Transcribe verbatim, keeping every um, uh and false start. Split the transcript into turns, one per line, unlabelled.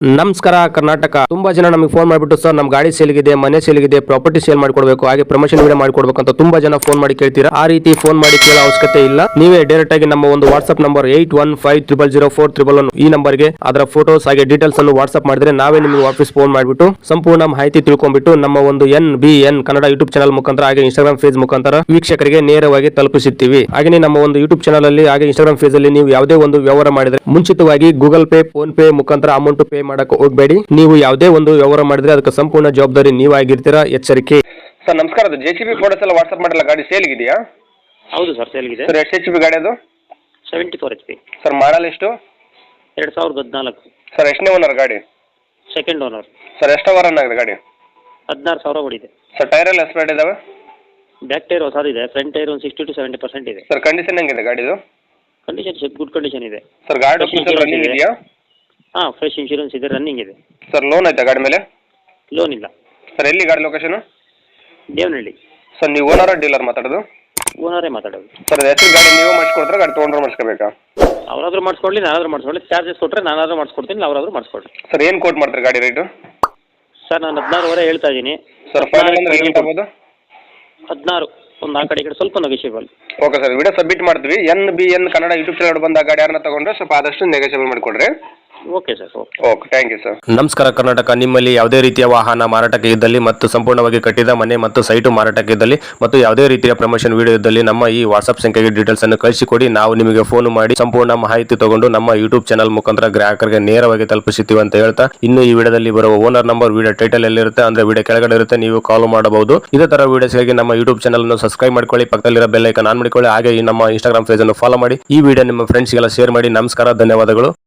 ನಮಸ್ಕಾರ ಕರ್ನಾಟಕ. ತುಂಬಾ ಜನ ನಮಗೆ ಫೋನ್ ಮಾಡಿಬಿಟ್ಟು ಸರ್ ನಮ್ಮ ಗಾಡಿ ಸೇಲ್ಗಿದೆ, ಮನೆ ಸೇಲ್ಗಿದೆ, ಪ್ರಾಪರ್ಟಿ ಸೇಲ್ ಮಾಡ್ಕೊಡ್ಬೇಕು, ಹಾಗೆ ಪ್ರಮೋಷನ್ ವಿಡಿಯೋ ಮಾಡ್ಕೊಡ್ಬೇಕು ಅಂತ ತುಂಬಾ ಜನ ಫೋನ್ ಮಾಡಿ ಕೇಳ್ತೀರಾ. ಆ ರೀತಿ ಫೋನ್ ಮಾಡಿ ಕೇಳೋ ಅವಶ್ಯಕತೆ ಇಲ್ಲ. ನೀವೇ ಡೈರೆಕ್ಟ್ ಆಗಿ ನಮ್ಮ ಒಂದು WhatsApp number eight one five triple zero four triple one ಈ ನಂಬರ್ಗೆ ಅದರ ಫೋಟೋಸ್ ಹಾಗೆ ಡೀಟೇಲ್ಸ್ ಅನ್ನು ವಾಟ್ಸ್ಆಪ್ ಮಾಡಿದ್ರೆ ನಾವೇ ನಿಮಗೆ ವಾಪಸ್ ಫೋನ್ ಮಾಡಿಬಿಟ್ಟು ಸಂಪೂರ್ಣ ಮಾಹಿತಿ ತಿಳ್ಕೊಂಡ್ಬಿಟ್ಟು ನಮ್ಮ ಒಂದು N B N Kannada YouTube channel ಮುಖಾಂತರ ಹಾಗೆ ಇನ್ಸ್ಟಾಗ್ರಾಮ್ ಫೇಸ್ ಮುಖಾಂತರ ವೀಕ್ಷಕರಿಗೆ ನೇರವಾಗಿ ತಲುಪಿಸುತ್ತೀವಿ. ಹಾಗೆ ನಮ್ಮ ಒಂದು ಯೂಟ್ಯೂಬ್ ಚಾನಲ್ ಅಲ್ಲಿ ಹಾಗೆ ಇನ್ಸ್ಟಾಗ್ರಾಮ್ ಫೇಸ್ ಅಲ್ಲಿ ನೀವು ಯಾವುದೇ ಒಂದು ವ್ಯವಹಾರ ಮಾಡಿದ್ರೆ ಮುಂಚಿತವಾಗಿ ಗೂಗಲ್ ಪೇ, ಫೋನ್ ಪೇ ಮುಖಾಂತರ ಅಮೌಂಟ್ ಪೇ ಮಾಡಕ್ಕೆ ಹೋಗಬೇಡಿ. ನೀವು ಯಾವುದೇ ಒಂದು ವ್ಯವಹಾರ ಮಾಡಿದ್ರೆ ಅದಕ್ಕೆ ಸಂಪೂರ್ಣ ಜವಾಬ್ದಾರಿ ನೀವಾಗಿರ್ತೀರಾ, ಎಚ್ಚರಿಕೆ.
ಸರ್ ನಮಸ್ಕಾರ. ಅದು ಜೆ ಸಿ ಬಿ ಫೋಟೋಸ್ ಎಲ್ಲ ವಾಟ್ಸ್ಆಪ್ ಮಾಡಿಲ್ಲ, ಗಾಡಿ ಸೇಲ್ಗಿದೆಯಾ?
ಹೌದು ಸರ್, ಸೇಲ್ಗಿದೆ.
ಸರ್ ಎಷ್ಟು ಎಚ್ ಪಿ ಗಾಡಿ ಅದು?
Seventy four H P.
Sir model ಎಷ್ಟು?
ಎರಡು ಸಾವಿರದ ಹದಿನಾಲ್ಕು.
ಸರ್ ಎಷ್ಟನೇ ಓನರ್ ಗಾಡಿ?
Second owner.
ಸರ್ ಎಷ್ಟು ಅವರ್ ಆಗಿದೆ ಗಾಡಿ?
ಹದಿನಾರು ಸಾವಿರ ಓಡಿದೆ.
ಸರ್ ಟೈರ್ ಎಲ್ಲ ಎಸ್ಪೇಟ್ ಇದಾವೆ?
ಬ್ಯಾಕ್ ಟೈರ್ ಹೊಸದಿದೆ, ಫ್ರಂಟ್ ಟೈರ್ ಒಂದು ಸಿಕ್ಸ್ಟಿ ಟು ಸೆವೆಂಟಿ ಪರ್ಸೆಂಟ್ ಇದೆ.
ಸರ್ ಕಂಡೀಷನ್ ಹೆಂಗಿದೆ ಗಾಡಿದು?
ಕಂಡೀಷನ್ ಗುಡ್ ಕಂಡೀಷನ್ ಇದೆ.
ಸರ್ ಗಾಡಿ ರನ್ನಿಂಗ್ ಇದೆಯಾ?
ಹಾಂ, ಫ್ರೆಶ್ ಇನ್ಶೂರೆನ್ಸ್ ಇದೆ, ರನ್ನಿಂಗ್ ಇದೆ.
ಸರ್ ಲೋನ್ ಆಯ್ತಾ ಗಾಡಿ ಮೇಲೆ?
ಲೋನ್ ಇಲ್ಲ.
ಸರ್ ಎಲ್ಲಿ ಗಾಡಿ ಲೊಕೇಶನ್?
ದೇವನಹಳ್ಳಿ.
ಸರ್ ನೀವು ಓನರ್ ಡೀಲರ್ ಮಾತಾಡೋದು?
ಓನರೇ ಮಾತಾಡೋದು.
ಸರ್ ಹೆಸರು ಗಾಡಿ ನೀವೇ ಮಾಡಿಸ್ಕೊಡ್ತಾರೆ, ಗಾಡಿ ತೊಗೊಂಡ್ರೆ ಮಾಡಿಸ್ಕೋಬೇಕಾ?
ಅವರಾದ್ರೂ ಮಾಡಿಸ್ಕೊಡ್ಲಿ, ನಾನಾದ್ರೂ ಮಾಡಿಸ್ಕೊಳ್ಳಿ. ಚಾರ್ಜಸ್ ಕೊಟ್ಟರೆ ನಾನಾದ್ರೂ ಮಾಡಿಸ್ಕೊಡ್ತೀನಿ, ಅವರಾದ್ರೂ ಮಾಡಿಸ್ಕೊಡ್ರಿ.
ಸರ್ ಏನು ಕೋಟ್ ಮಾಡ್ತಾರೆ ಗಾಡಿ ರೇಟು?
ಸರ್ ನಾನು ಹದಿನಾರುವರೆ ಹೇಳ್ತಾ ಇದ್ದೀನಿ.
ಸರ್ ಫೈನಲ್ ಅಂದ್ರೆ ಏನು ಆಗ್ಬೋದು?
ಹದಿನಾರು ಒಂದು ಆ ಕಡೆ ಈ ಕಡೆ ಸ್ವಲ್ಪ negotiable.
Okay sir, video submit ಮಾಡ್ತೀವಿ. N B N Kannada YouTube channel ಬಂದ ಗಾಡಿ ಯಾರನ್ನ ತಗೊಂಡ್ರೆ ಸ್ವಲ್ಪ ಆದಷ್ಟು ನೆಗೋಷಿಯಬಲ್ ಮಾಡಿಕೊಡ್ರಿ.
Okay sir, okay
okay, thank you sir.
ನಮಸ್ಕಾರ ಕರ್ನಾಟಕ. ನಿಮ್ಮಲ್ಲಿ ಯಾವುದೇ ರೀತಿಯ ವಾಹನ ಮಾರಾಟಕ್ಕೆ ಇದ್ದಲ್ಲಿ ಮತ್ತು ಸಂಪೂರ್ಣವಾಗಿ ಕಟ್ಟಿದ ಮನೆ ಮತ್ತು ಸೈಟು ಮಾರಾಟಕ್ಕೆ ಇದ್ದಲ್ಲಿ ಮತ್ತು ಯಾವುದೇ ರೀತಿಯ ಪ್ರಮೋಷನ್ ವಿಡಿಯೋ ಇದ್ದಲ್ಲಿ ನಮ್ಮ ಈ ವಾಟ್ಸ್ಆಪ್ ಸಂಖ್ಯೆಗೆ ಡೀಟೇಲ್ಸ್ ಅನ್ನು ಕಳಿಸಿಕೊಡಿ. ನಾವು ನಿಮಗೆ ಫೋನ್ ಮಾಡಿ ಸಂಪೂರ್ಣ ಮಾಹಿತಿ ತಗೊಂಡು ನಮ್ಮ ಯೂಟ್ಯೂಬ್ ಚಾನಲ್ ಮುಖಾಂತರ ಗ್ರಾಹಕರಿಗೆ ನೇರವಾಗಿ ತಲುಪಿಸುತ್ತೀವಿ ಅಂತ ಹೇಳ್ತಾ, ಇನ್ನು ಈ ವಿಡಿಯೋದಲ್ಲಿ ಬರುವ ಓನರ್ ನಂಬರ್ ವಿಡಿಯೋ ಟೈಟಲ್ ಎಲ್ಲಿರುತ್ತೆ ಅಂದ್ರೆ ವಿಡಿಯೋ ಕೆಳಗಡೆ ಇರುತ್ತೆ, ನೀವು ಕಾಲ್ ಮಾಡಬಹುದು. ಇದೇ ತರ ವಿಡಿಯೋಸ್ಗಾಗಿ ನಮ್ಮ ಯೂಟ್ಯೂಬ್ ಚಾನಲ್ ಅನ್ನು ಸಬ್ಸ್ಕ್ರೈಬ್ ಮಾಡ್ಕೊಳ್ಳಿ, ಪಕ್ಕದಲ್ಲಿರೋ ಬೆಲ್ ಐಕಾನ್ ಆನ್ ಮಾಡಿಕೊಳ್ಳಿ, ಹಾಗೆ ಈ ನಮ್ಮ ಇನ್ಸ್ಟಾಗ್ರಾಮ್ ಪೇಜ್ ಅನ್ನು ಫಾಲೋ ಮಾಡಿ. ಈ ವಿಡಿಯೋ ನಿಮ್ಮ ಫ್ರೆಂಡ್ಸ್ಗೆಲ್ಲ ಶೇರ್ ಮಾಡಿ. ನಮಸ್ಕಾರ, ಧನ್ಯವಾದಗಳು.